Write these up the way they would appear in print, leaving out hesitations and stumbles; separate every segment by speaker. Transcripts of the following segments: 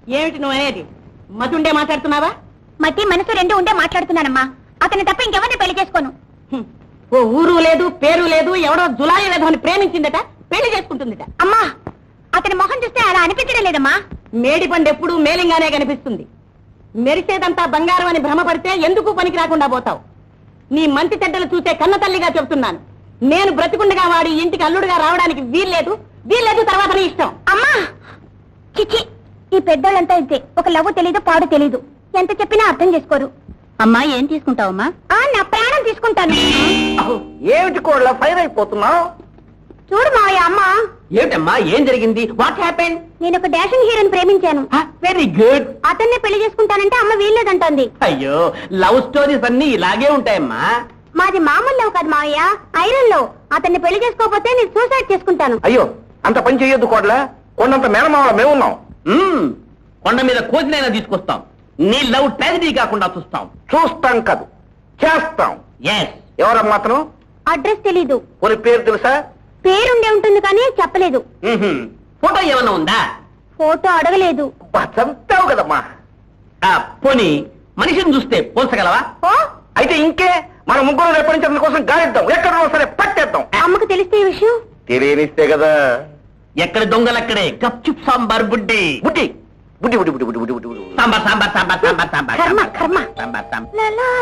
Speaker 1: ఏమిటి నువ్వు అనేది? మతుండే మాట్లాడుతున్నావా?
Speaker 2: మతి మనసు రెండు ఉండే మాట్లాడుతున్నానమ్మా. అతని తప్ప ఇంకెవరిని పెళ్లి చేసుకోను.
Speaker 1: ఓ ఊరు లేదు, పేరు లేదు, ఎవడో జులాయి లేదు అని ప్రేమించిందట, పెళ్లి చేసుకుంటుందిట.
Speaker 2: అమ్మా, అతని మొహం చూస్తే అలా అనిపించడం లేదమ్మా.
Speaker 1: మేడి పండు ఎప్పుడు మేలింగానే కనిపిస్తుంది. మెరిసేదంతా బంగారం అని భ్రమపడితే ఎందుకు పనికి రాకుండా పోతావు? నీ మంచి చెడ్డలు చూసే కన్న తల్లిగా చెప్తున్నాను. నేను బ్రతికుండగా వాడి ఇంటికి అల్లుడుగా రావడానికి వీల్లేదు, తర్వాత నీ ఇష్టం.
Speaker 2: అమ్మా చిచి, ఈ పెద్దోళ్ళంతా ఇంతే. ఒక లవ్వు తెలీదు, పాడు తెలీదు. ఎంత చెప్పినా అర్థం చేసుకోరు.
Speaker 1: అమ్మా, ఏం తీసుకుంటావమ్మా?
Speaker 2: నా ప్రాణం తీసుకుంటాను.
Speaker 3: ఏమిటి కోళ్ళ ఫైర్ అయిపోతున్నావు?
Speaker 2: చూడు మావయ్య, అమ్మా.
Speaker 3: ఏమిటమ్మా, ఏం జరిగింది? What happened?
Speaker 2: నేను ఒక డాషింగ్ హీరోని ప్రేమించాను.
Speaker 3: Very good.
Speaker 2: అతన్నే పెళ్లి చేసుకుంటానంటే అమ్మ వీల్లేదంటోంది.
Speaker 3: అయ్యో, లవ్ స్టోరీస్ అన్ని ఇలాగే ఉంటాయమ్మా.
Speaker 2: మాది మామూలు లవ్ కాదు మావయ్య, ఐరన్ లో. అతన్ని పెళ్లి చేసుకోకపోతే నేను సూసైడ్ చేసుకుంటాను.
Speaker 3: అయ్యో, అంత పని చెయ్యొద్దు కోడ్ల. కొండంత మేనమావల మేమున్నాం. కొండ మీద కోసినైనా తీసుకొస్తాం. నీ లవ్ ట్రాజడీ కాకుండా చూస్తాం. చూస్తాం కాదు, చేస్తాం. ఎవరమ్మా అతను?
Speaker 2: అడ్రస్ తెలీదు.
Speaker 3: కొన్ని పేరు తెలుసా?
Speaker 2: పేరుండే ఉంటుంది కానీ చెప్పలేదు.
Speaker 3: ఫోటో ఏమన్నా ఉందా?
Speaker 2: ఫోటో అడగలేదు.
Speaker 3: చంపావు కదమ్మా. పోనీ మనిషిని చూస్తే పోల్చగలవా? అయితే ఇంకే, మన ముగ్గురు రేపటి నుంచి అతని కోసం గాలిద్దాం. ఎక్కడ సరే పట్టేద్దాం.
Speaker 2: అమ్మకు తెలిస్తే ఈ విషయం?
Speaker 3: తెలియనిస్తే కదా. ఎక్కడ దొంగలక్కడే గప్చుప్ సాంబార్ బుడ్డి బుడ్డి బుడ్డి బుడ్డి బుడ్డి బుడ్డి బుడ్డి బుడ్డి సాంబార్ సాంబార్ సాంబార్ సాంబార్ సాంబార్
Speaker 2: కర్మ కర్మ.
Speaker 3: సాంబార్ సాంబార్.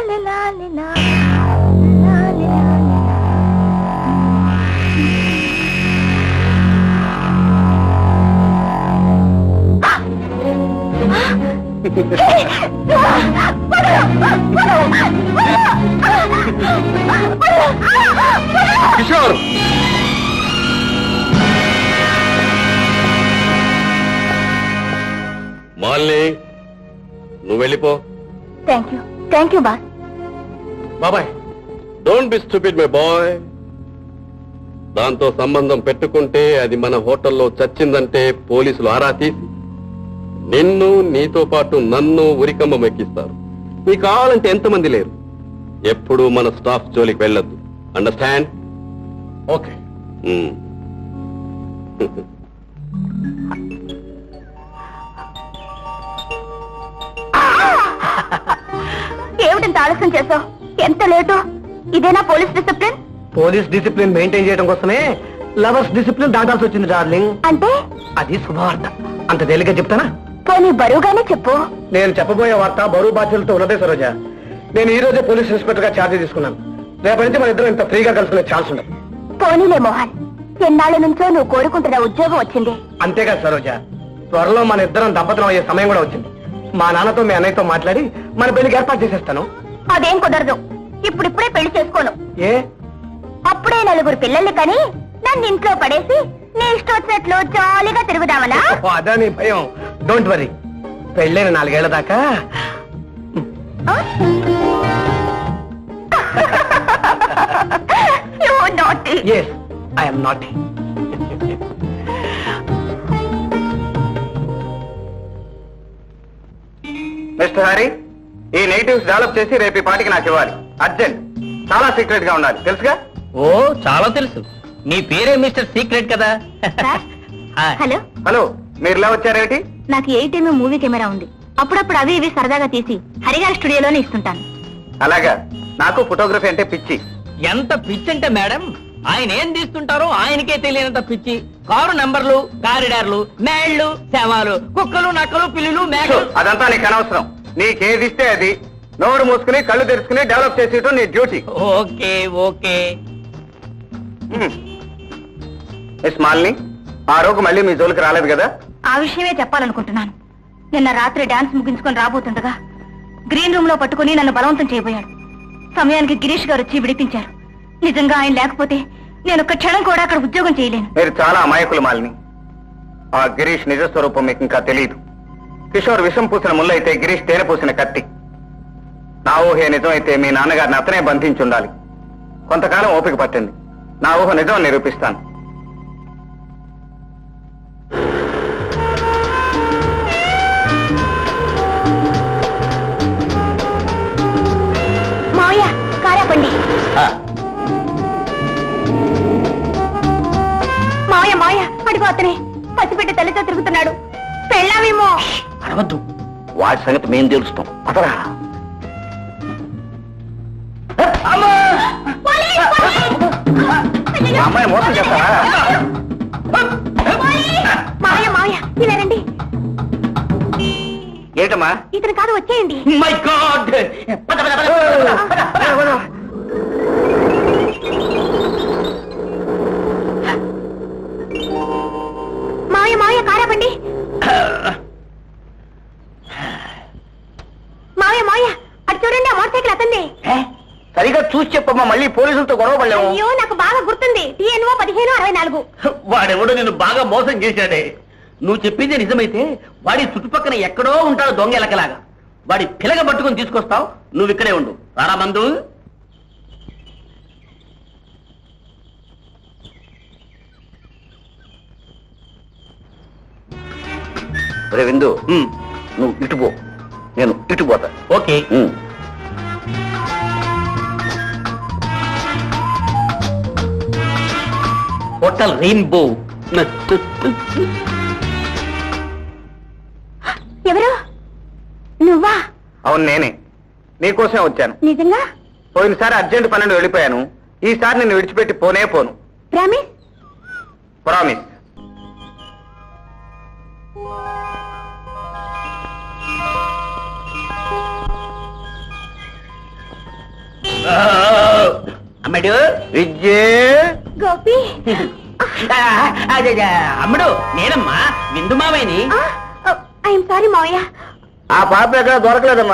Speaker 3: కిషోర్,
Speaker 4: మాలిని, నువ్వు వెళ్ళిపో.
Speaker 2: Thank you boss.
Speaker 4: బాబాయ్, don't be stupid my boy. దాంతో సంబంధం పెట్టుకుంటే అది మన హోటల్లో చచ్చిందంటే పోలీసులు ఆరా తీసి నిన్ను, నీతో పాటు నన్ను ఉరికంబం ఎక్కిస్తారు. నీకు కావాలంటే ఎంతమంది లేరు. ఎప్పుడు మన స్టాఫ్ జోలికి వెళ్ళొద్దు. అండర్స్టాండ్?
Speaker 3: ఓకే.
Speaker 2: ఏమిటంత ఆలస్యం చేసావు? ఎంత లేటు? ఇదేనా police discipline?
Speaker 3: Police discipline maintain చేయడం కోసమే లవర్స్ డిసిప్లిన్ దాటాల్సి వచ్చింది డార్లింగ్.
Speaker 2: అంటే
Speaker 3: అది శుభవార్త. అంత తేలిగ్గా చెప్తానా?
Speaker 2: పోనీ బరువుగానే చెప్పు.
Speaker 3: నేను చెప్పబోయే వార్త బరువు బాధ్యతలతో ఉన్నదే సరోజ. నేను ఈ రోజే పోలీస్ ఇన్స్పెక్టర్ గా ఛార్జీ తీసుకున్నాను. రేపటి నుంచి మన ఇద్దరం ఇంత ఫ్రీగా కలుసుకునే ఛాన్స్ ఉండదు.
Speaker 2: పోనీలే మోహన్, ఎన్నాళ్ళ నుంచో నువ్వు కోరుకుంటున్న ఉద్యోగం వచ్చింది.
Speaker 3: అంతేకాదు సరోజ, త్వరలో మన ఇద్దరం దంపతులం అయ్యే సమయం కూడా వచ్చింది. మా నాన్నతో మీ అన్నయ్యతో మాట్లాడి మన పెళ్లికి ఏర్పాటు చేసేస్తాను.
Speaker 2: అదేం కుదరదు. ఇప్పుడిప్పుడే పెళ్లి చేసుకోను.
Speaker 3: ఏ?
Speaker 2: అప్పుడే నలుగురు పిల్లల్ని కని నన్ను ఇంట్లో పడేసి నీ ఇష్టం వచ్చినట్లు జాలీగా తిరుగుదామనా?
Speaker 3: అదా నీ భయం. డోంట్ వరీ, పెళ్ళైన 4 ఏళ్ల దాకా yes, I'm not. Mister Hari, ఈ నెగిటివ్స్ డెవలప్ చేసి రేపు ఈ పాటికి నాకు ఇవ్వాలి. అర్జెంట్. చాలా సీక్రెట్ గా ఉండాలి. తెలుసుగా?
Speaker 5: ఓ, చాలా తెలుసు. మీ పేరే మిస్టర్ సీక్రెట్ కదా.
Speaker 2: హలో
Speaker 3: హలో, మీరు ఇలా వచ్చారేమిటి?
Speaker 2: నాకు 8mm మూవీ కెమెరా ఉంది. అప్పుడప్పుడు అవి ఇవి సరదాగా తీసి హరిగారి స్టూడియోలోనే ఇస్తుంటాను.
Speaker 3: అలాగా. నాకు ఫోటోగ్రఫీ అంటే పిచ్చి.
Speaker 5: ఎంత పిచ్చి అంటే మేడం, ఆయన ఏం తీస్తుంటారో ఆయనకే తెలియనంత పిచ్చి. కారు నంబర్లు, కారిడార్లు, మేళ్లు, శవాలు, కుక్కలు, నక్కలు, పిల్లులు, మేకలు.
Speaker 3: అదంతా నీకు అనవసరం. నీకేది ఇస్తే అది నోరు మూసుకుని కళ్ళు తెరుచుకుని డెవలప్ చేసేయటం నీ duty.
Speaker 5: Okay okay.
Speaker 3: Miss Malini, ఆ రోజు మళ్ళీ మీ జోలికి రాలేదు కదా?
Speaker 2: ఆ విషయమే చెప్పాలనుకుంటున్నాను. నిన్న రాత్రి డాన్స్ ముగించుకొని రాబోతుండగా గ్రీన్ రూమ్ లో పట్టుకుని నన్ను బలవంతం చేయబోయాడు. సమయానికి గిరీష్ గారు వచ్చి విడిపించారు. నిజంగా ఆయన లేకపోతే నేను ఒక్క క్షణం కూడా అక్కడ ఉద్యోగం చేయలేను.
Speaker 3: మీరు చాలా అమాయకులు మాలిని. ఆ గిరీష్ నిజ స్వరూపం మీకు ఇంకా తెలియదు. కిషోర్ విషం పూసిన ముళ్ళు అయితే గిరీష్ తేనె పూసిన కత్తి. నా ఊహే నిజం అయితే మీ నాన్నగారిని అతనే బంధించి ఉండాలి. కొంతకాలం ఓపిక పట్టింది. నా ఊహ నిజం నిరూపిస్తాను.
Speaker 2: మావయ్య, కారాపండి. మావయ్య మావయ్య, అడిగో అతనే పసిపెట్టి తల్లితో తిరుగుతున్నాడు. పెళ్ళామేమో.
Speaker 5: అరవద్దు.
Speaker 3: వాడి సంగతి మేం తెలుస్తాం. అతరా అమ్మాయి మోసం చేస్తారా?
Speaker 2: మావయ్య మావయ్య ఇలా రండి.
Speaker 3: ఏంటమ్మా?
Speaker 2: ఇతను కాదు, వచ్చేయండి.
Speaker 5: My God!
Speaker 2: మావయ్య మావయ్య కారాపండి. మావయ్య మావయ్య అటు చూడండి, ఆ మోటార్ సైకిల్ అతంది.
Speaker 3: సరిగా చూసి చెప్పమ్మా, మళ్ళీ పోలీసులతో గొడవ పడలేము.
Speaker 2: అయ్యో నాకు బాగా గుర్తుంది. TNO 1564.
Speaker 5: వాడెవడో నిన్ను బాగా మోసం చేశాడే. నువ్వు చెప్పింది నిజమైతే వాడి చుట్టుపక్కన ఎక్కడో ఉంటాడు దొంగ ఎలకలాగా. వాడి పిలగ పట్టుకుని తీసుకొస్తావు, నువ్వు ఇక్కడే ఉండు. రారా మందు.
Speaker 3: రే విందు, నువ్వు ఇటు పో, నేను ఇటు పోతా.
Speaker 5: ఓకే. Hotel rainbow.
Speaker 2: ఎవరు? నువ్వా?
Speaker 3: అవును నేనే, నీకోసమే వచ్చాను.
Speaker 2: నిజంగా?
Speaker 3: పోయినసారి అర్జెంట్ పన్నెండు వెళ్ళిపోయాను, ఈసారి నిన్ను విడిచిపెట్టి పోనే పోను.
Speaker 2: ప్రామిస్?
Speaker 3: ప్రామిస్.
Speaker 5: అమ్మడు
Speaker 3: విజయ్,
Speaker 2: గోపి.
Speaker 5: అమ్మడు నేనమ్మా, విందు మావయ్యని.
Speaker 2: ఐఎమ్ సారీ మావయ్య.
Speaker 3: ఆ పాప ఎక్కడ దొరకలేదమ్మా.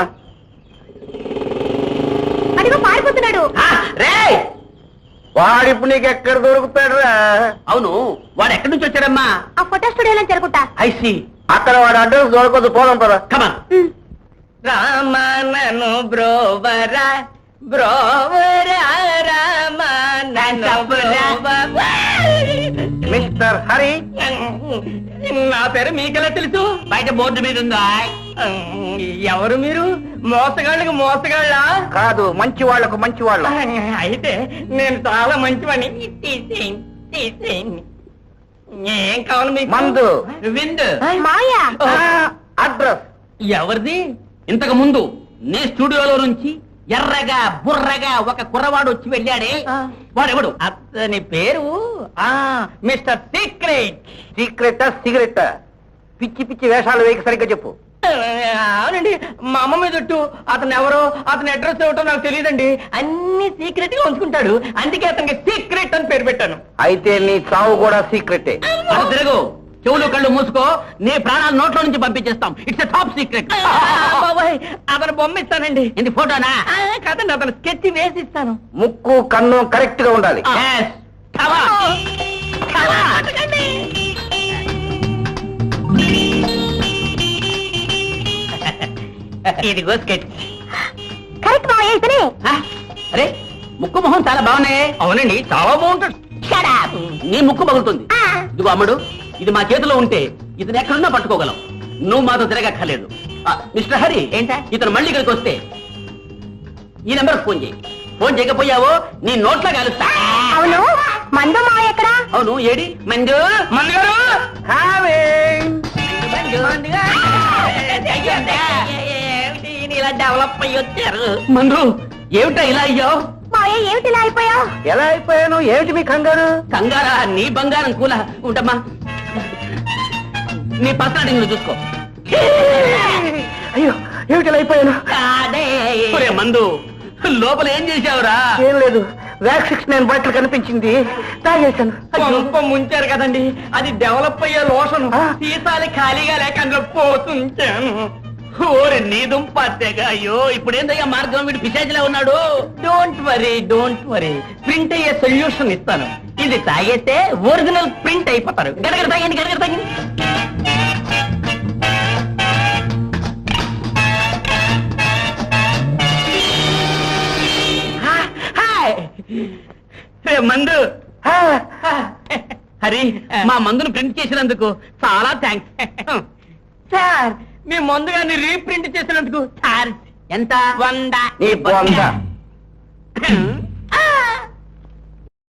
Speaker 2: అడిగో పారిపోతున్నాడు.
Speaker 5: రే,
Speaker 3: వాడిప్పుడు నీకు ఎక్కడ దొరుకుతాడు రా?
Speaker 5: అవును, వాడు ఎక్కడి నుంచి వచ్చాడమ్మా?
Speaker 2: ఆ ఫోటో స్టూడియోలో జరుగుతా.
Speaker 5: ఐసి.
Speaker 3: అక్కడ వాడు అడ్రస్ దొరకదు, పోదాం పదా.
Speaker 5: కమా. రామనను బ్రోవరా బ్రోవరా రామనను బ్రోవరా.
Speaker 3: మిస్టర్ హరి,
Speaker 5: నా పేరు మీకెలా తెలుసు? బయట బోర్డు మీద ఉందా? ఎవరు మీరు? మోసగాళ్ళకి మోసగాళ్ళ?
Speaker 3: కాదు, మంచి వాళ్లకు మంచి వాళ్ళ.
Speaker 5: అయితే నేను చాలా మంచివాణ్ణి. తీసేయండి, తీసేయండి. ఏం కావాలి మీకు?
Speaker 3: మందు.
Speaker 5: విందు.
Speaker 2: మావయ్య
Speaker 3: అడ్రస్
Speaker 5: ఎవరిది? ఇంతకు ముందు నీ స్టూడియోలో నుంచి ఎర్రగా బుర్రగా ఒక కుర్రవాడు వచ్చి వెళ్ళాడే, వాడెవడు? అతని పేరు మిస్టర్ సీక్రెట్.
Speaker 3: సీక్రెటా సిగరెట్టా? పిచ్చి పిచ్చి వేషాలు వేయక సరిగ్గా చెప్పు.
Speaker 5: అవునండి, మా అమ్మ మీద ఒట్టు. అతను ఎవరో, అతని అడ్రస్ ఏమిటో నాకు తెలియదండి. అన్ని సీక్రెట్ గా ఉంచుకుంటాడు, అందుకే అతనికి సీక్రెట్ అని పేరు పెట్టాను.
Speaker 3: అయితే నీ చావు కూడా సీక్రెటే.
Speaker 5: అటు తిరుగు, చెవులు కళ్ళు మూసుకో, నీ ప్రాణాలు నోట్లో నుంచి పంపించేస్తాం. It's a top secret. అతను బొమ్మ ఇస్తానండి. ఇది ఫోటోనా? కాదండి, అతను స్కెచ్ వేసి ఇస్తాను.
Speaker 3: ముక్కు కన్ను కరెక్ట్ గా ఉండాలి.
Speaker 5: Yes. Come on. Come on. ఇదిగో స్కెచ్.
Speaker 2: కరెక్ట్ మావయ్య, ఇతనే.
Speaker 5: అరే, ముక్కు మొహం చాలా బాగున్నాయి. అవునండి, చాలా బాగుంటుంది. నీ ముక్కు పగులుతుంది. ఇదిగో అమ్మడు, ఇది మా చేతిలో ఉంటే ఇతను ఎక్కడున్నా పట్టుకోగలం. నువ్వు మాతో తిరగక్కర్లేదు. మిస్టర్ హరి, ఏంటా ఇతను మళ్ళీ ఇక్కడికి వస్తే ఈ నెంబర్ ఫోన్ చేయి. ఫోన్ చేయకపోయావో నీ నోట్లో కలుస్తా.
Speaker 2: అవును, మందు మావయ్య ఎక్కడ?
Speaker 5: అవును, ఏడి మంజు? మంజు గారు, ఇలా డెవలప్ అయ్యి వచ్చారు. మందు, ఏమిటా ఇలా అయ్యావు?
Speaker 2: మావయ్య ఏమిటి ఇలా అయిపోయావు?
Speaker 3: ఎలా అయిపోయాను? ఏమిటి మీ కంగారు?
Speaker 5: కంగారా? నీ బంగారం కూల ఉంటామా. నీ పర్సనాలిటీ నువ్వు చూసుకో.
Speaker 3: అయ్యో, ఏమిటి ఎలా అయిపోయాను?
Speaker 5: ఒరే మందు, లోపల ఏం చేశావురా?
Speaker 3: ఏం లేదు, వ్యాక్సిక్స్ నేను బట్టలు కనిపించింది, తాగేశాను.
Speaker 5: గొప్ప ముంచారు కదండి, అది డెవలప్ అయ్యే లోషన్. సీసాలు ఖాళీగా లేక అందులో పోతుంచాను. ఓరే నీ దుంపగా. అయ్యో, ఇప్పుడు ఏందయ్యా మార్గం? వీడు పిశాచిలా ఉన్నాడు. Don't worry, don't worry, print అయ్యే సొల్యూషన్ ఇస్తాను. ఇది తాగేస్తే ఒరిజినల్ ప్రింట్ అయిపోతారు. గడగడ తాగండి, గడగడ తాగండి. మందు. హరి, మా మందును ప్రింట్ చేసినందుకు చాలా థ్యాంక్స్ సార్. మీ మందు గారిని రీప్రింట్ చేసినందుకు చార్జ్ ఎంత? 100.
Speaker 3: నీ 100.